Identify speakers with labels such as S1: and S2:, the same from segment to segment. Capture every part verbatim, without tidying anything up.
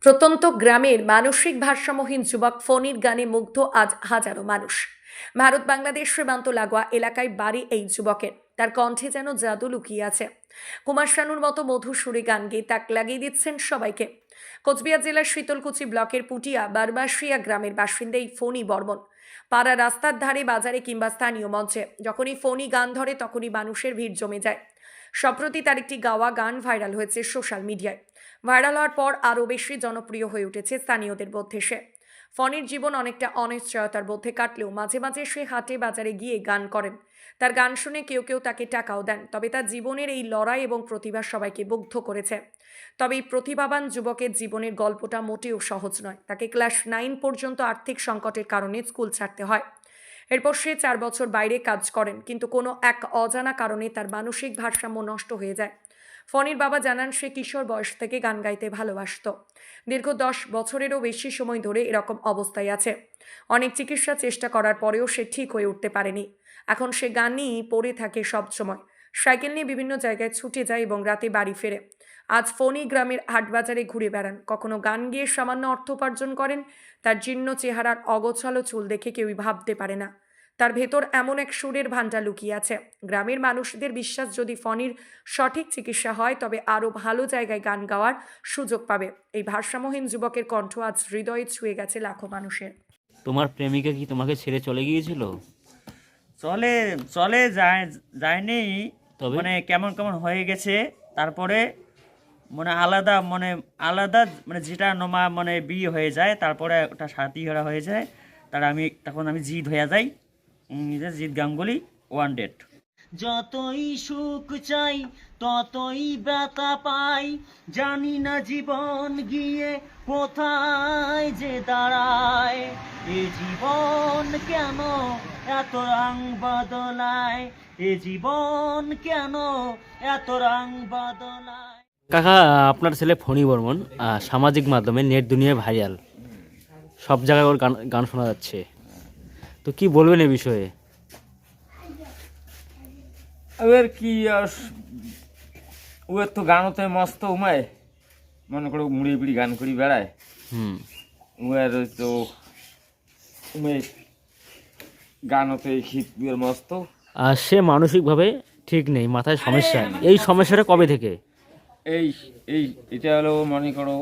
S1: প্রত্যন্ত গ্রামের মানসিক ভারসাম্যহীন যুবক ফণীর গানে মুগ্ধ আজ হাজারো মানুষ। ভারত বাংলাদেশ সীমান্ত লাগোয়া এলাকায় বাড়ি এই যুবকের। তার কণ্ঠে যেন জাদু লুকিয়ে আছে। কুমার শানুর মতো মধুর সুরে গান গেয়ে তাক লাগিয়ে দিচ্ছেন সবাইকে। কোচবিহার জেলার শীতলকুচি ব্লকের পুটিয়া বারবাসিয়া গ্রামের বাসিন্দা এই ফণী বর্মন। পাড়া রাস্তার ধারে, বাজারে কিংবা স্থানীয় মঞ্চে যখনই ফণী গান ধরে তখনই মানুষের ভিড় জমে যায়। সম্প্রতি তার একটি গাওয়া গান ভাইরাল হয়েছে সোশ্যাল মিডিয়ায়। ভাইরাল হওয়ার পর আরও বেশি জনপ্রিয় হয়ে উঠেছে স্থানীয়দের মধ্যে সে। ফণীর জীবন অনেকটা অনিশ্চয়তার মধ্যে কাটলেও মাঝে মাঝে সে হাটে বাজারে গিয়ে গান করেন। তার গান শুনে কেউ কেউ তাকে টাকাও দেন। তবে তার জীবনের এই লড়াই এবং প্রতিভা সবাইকে মুগ্ধ করেছে। তবে এই প্রতিভাবান যুবকের জীবনের গল্পটা মোটেও সহজ নয়। তাকে ক্লাস নাইন পর্যন্ত আর্থিক সংকটের কারণে স্কুল ছাড়তে হয়। এরপর সে চার বছর বাইরে কাজ করেন, কিন্তু কোনো এক অজানা কারণে তার মানসিক ভারসাম্য নষ্ট হয়ে যায়। ফণীর বাবা জানান, সে কিশোর বয়স থেকে গান গাইতে ভালোবাসত। দীর্ঘ দশ বছরেরও বেশি সময় ধরে এরকম অবস্থায় আছে। অনেক চিকিৎসা চেষ্টা করার পরেও সে ঠিক হয়ে উঠতে পারেনি। এখন সে গান নিয়েই পড়ে থাকে সব সময়। সাইকেল নিয়ে বিভিন্ন জায়গায় ছুটে যায় এবং রাতে বাড়ি ফেরে। আজ ফণী গ্রামের হাটবাজারে ঘুরে বেড়ান, কখনো গান গিয়ে সামান্য অর্থ উপার্জন করেন। তার জীর্ণ চেহারার অগোছালো চুল দেখে কেউই ভাবতে পারে না তার ভেতর এমন এক সুরের ভান্ডার লুকিয়ে আছে। গ্রামের মানুষদের বিশ্বাস, যদি ফণীর সঠিক চিকিৎসা হয় তবে আরও ভালো জায়গায় গান গাওয়ার সুযোগ পাবে। এই ভারসাম্যহীন যুবকের কণ্ঠ আজ হৃদয়ে ছুঁয়ে গেছে লাখো মানুষের।
S2: তোমার প্রেমিকা কি তোমাকে ছেড়ে চলে গিয়েছিল?
S3: চলে চলে যায় যায়নি,
S2: তবে?
S3: মানে কেমন কেমন হয়ে গেছে। তারপরে মানে আলাদা মানে আলাদা মানে যেটা নমা মানে বিয়ে হয়ে যায়, তারপরে ওটা সাথী হারা হয়ে যায়। তার আমি তখন আমি জিদ হয়ে যাই, নিজে জিৎ গাঙ্গুলি ওয়ান ডেট। যতই সুখ চাই ততই ব্যথা পাই, জানি না জীবন গিয়ে কোথায় যে দাঁড়ায়। এ জীবন কেন এত রং বদলায়, এ জীবন কেন এত রং বদলায়।
S2: কাকা, আপনার ছেলে ফণী বর্মন আহ, সামাজিক মাধ্যমে নেট দুনিয়ায় ভাইরাল, সব জায়গায় ওর গান গান শোনা যাচ্ছে। তো কি বলবেন এ বিষয়ে?
S3: এবার কি ওর তো গানতে মস্ত উমায়, মনে করো মুড়ি বিড়ি গান করি বেড়ায়।
S2: হুম
S3: উমের তো উমে গানতে শীত মস্ত।
S2: আর সে মানসিকভাবে ঠিক নেই, মাথায় সমস্যা। এই সমস্যাটা কবে থেকে?
S3: এই এই এটা হলো মনে করো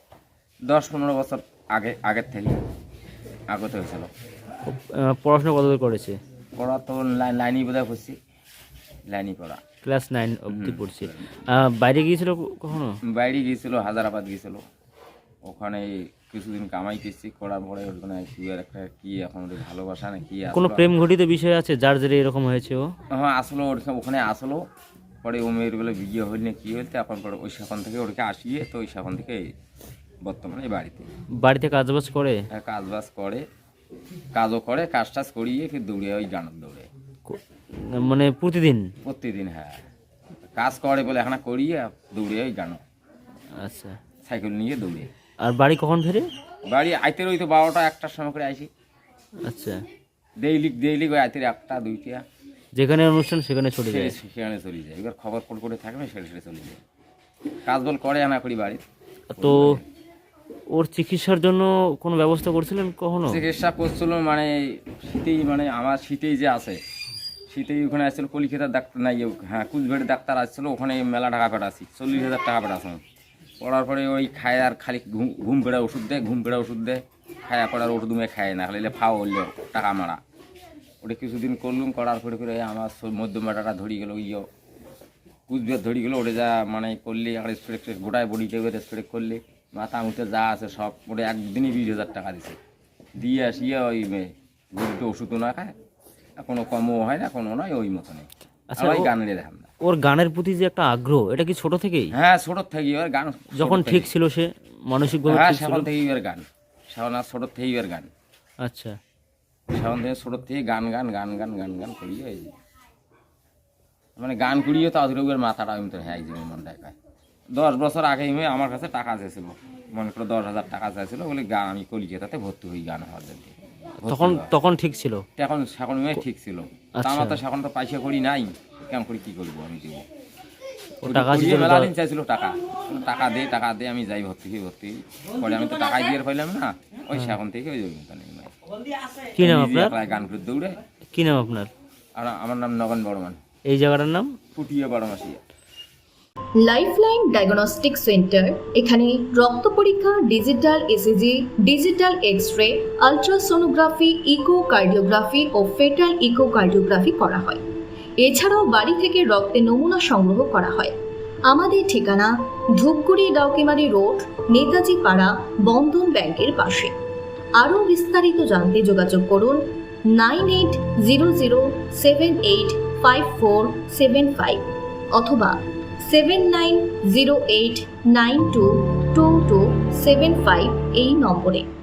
S3: দশ পনেরো বছর আগে আগের থেকে আগত হয়েছিল।
S2: আহ, পড়াশোনা কতদূর করেছে?
S3: পড়া তো লাইনই বোধহয় করছি, লাইনই পড়া।
S2: ক্লাস নাইন অবধি পড়ছে। আহ, বাইরে গিয়েছিল কখনো?
S3: বাইরে গিয়েছিল, হায়দ্রাবাদ গিয়েছিল। ওখানে কিছুদিন কামাই করছি, করার পরে ওখানে সুগার একটা কি এখন ওদের ভালোবাসা না কি
S2: কোনো
S3: আসলো।
S2: প্রেম ঘটিত বিষয় আছে যার জেরে এরকম হয়েছে ও?
S3: হ্যাঁ আসলো, ওখানে ওখানে আসলো পরে ও মেয়ের বেলা বিয়ে হইল না কি হইতে, এখন পরে ওই সেখান থেকে ওটাকে আসিয়ে তো ওই সেখান থেকে বর্তমানে এই বাড়িতে
S2: বাড়িতে কাজবাজ করে?
S3: হ্যাঁ কাজ বাজ করে, কাজও করে, কাজ টাজ করিয়ে ফির দৌড়ে ওই গানের দৌড়ে
S2: কো- মানে প্রতিদিন?
S3: প্রতিদিন। হ্যাঁ কাজ করে বলে এখন করিয়ে দৌড়ে ওই গান,
S2: আচ্ছা।
S3: সাইকেল নিয়ে দৌড়ে।
S2: আর বাড়ি কখন ফেরে?
S3: বাড়ি আইতে ওই তো বারোটা একটার সময় করে আসি।
S2: আচ্ছা।
S3: ডেইলি ডেইলি ওই আইতে একটা দুইটা,
S2: যেখানে অনুষ্ঠান সেখানে ছুটে যায়?
S3: সেখানে চলে যায়। এবার খবর ফোন করে থাকবে সেটা সেটা চলে যায়, কাজ বল করে আনা করি বাড়ি।
S2: তো ওর চিকিৎসার জন্য কোনো ব্যবস্থা করছিলেন কখনো?
S3: চিকিৎসা করছিল মানে শীতেই, মানে আমার শীতেই যে আছে শীতেই ওখানে আসছিল কলিকাতার ডাক্তার নাই, হ্যাঁ কুচবিহারের ডাক্তার আসছিল, ওখানে মেলা টাকা পাঠাচ্ছি, চল্লিশ হাজার টাকা পাঠাচ্ছি। পড়ার পরে ওই খায় আর খালি ঘুম ঘুম পেড়া ওষুধ দেয়, ঘুম পেড়া ওষুধ দেয়, খায়া পড়ার ওষুধ উমে খায় না, খালি ফাও হইলেও টাকা মারা। ওটা কিছুদিন করলুম, করার পরে করে আমার মধ্যমাটাটা ধরি গেলো, ইয়ে কুচবিহার ধরি গেলো। ওটা যা মানে করলে আর স্প্রে গোটায় বডিতে স্প্রে করলে মাথা মুখে যা আছে সব, ওটা একদিনই বিশ হাজার টাকা দিছে। দিয়ে আসিয়ে ওই গরুকে ওষুধও না খায়, কোনো কমও হয় না, কোনো নয়, ওই মতো নেই।
S2: আচ্ছা,
S3: ওই
S2: ও-
S3: গান নিয়ে দেখাম না।
S2: ওর গানের প্রতি যে একটা আগ্রহ, এটা কি ছোট থেকেই?
S3: হ্যাঁ ছোটোর থেকে ওর গান,
S2: যখন
S3: ছোটোর
S2: ঠিক
S3: থেকেই।
S2: ছিল সে মানসিকভাবে
S3: হ্যাঁ
S2: ঠিক ছিল?
S3: সেখান থেকেই ওর গান, সেখান আর ছোটোর থেকেই ওর গান,
S2: আচ্ছা।
S3: সেখান থেকে ছোটোর থেকে গান গান গান গান গান গান করিয়ে এই যে। মানে গান করিয়ে তো আধুরে ওর মাথাটা আমি তো হ্যাঁ একদিনের মন দেখায়। দশ বছর আগে আমার কাছে টাকা চেয়েছিল, মনে করো দশ হাজার টাকা চাইছিল বলে গান আমি কলিকাতাতে ভর্তি হই গান হওয়ার জন্য।
S2: তখন তখন ঠিক ছিল?
S3: এখন সেখন মেয়ে ঠিক ছিল, তা
S2: আচ্ছা।
S3: আমার তো সেখন তো পয়সা করি নাই, কেমন করে কী করবো আমি দেবো।
S2: ও টাকা
S3: পড়িয়ে
S2: ছিল
S3: মেলা
S2: তো-
S3: দিন চাইছিল টাকা বললো, টাকা দে টাকা দে আমি যাই ভর্তি হই ভর্তি হই। পরে আমি তো টাকাই দিয়ে পাইলাম না, ওই সেখান থেকে ওই জন্য নেই ভাই।
S2: কি নাম
S3: নিজে
S2: আপনার
S3: একলা গান করে দৌড়ে।
S2: কি নাম আপনার
S3: আর আমার নাম নগন বর্মন,
S2: এই জায়গাটার নাম?
S3: ফুটিয়ে বারোমাসিয়া।
S4: লাইফলাইন ডায়াগনস্টিক সেন্টার, এখানে রক্ত পরীক্ষা, digital ECG, digital X ray, ultrasonography, echocardiography ও ফেটাল ইকোকার্ডিওগ্রাফি করা হয়। এছাড়াও বাড়ি থেকে রক্তের নমুনা সংগ্রহ করা হয়। আমাদের ঠিকানা ধূপগুড়ি ডাউকিমারি রোড, নেতাজি পাড়া, বন্ধন ব্যাংকের পাশে। আরও বিস্তারিত জানতে যোগাযোগ করুন nine eight zero zero seven eight five four seven five অথবা seven nine zero eight nine two two two seven five এই নম্বরে।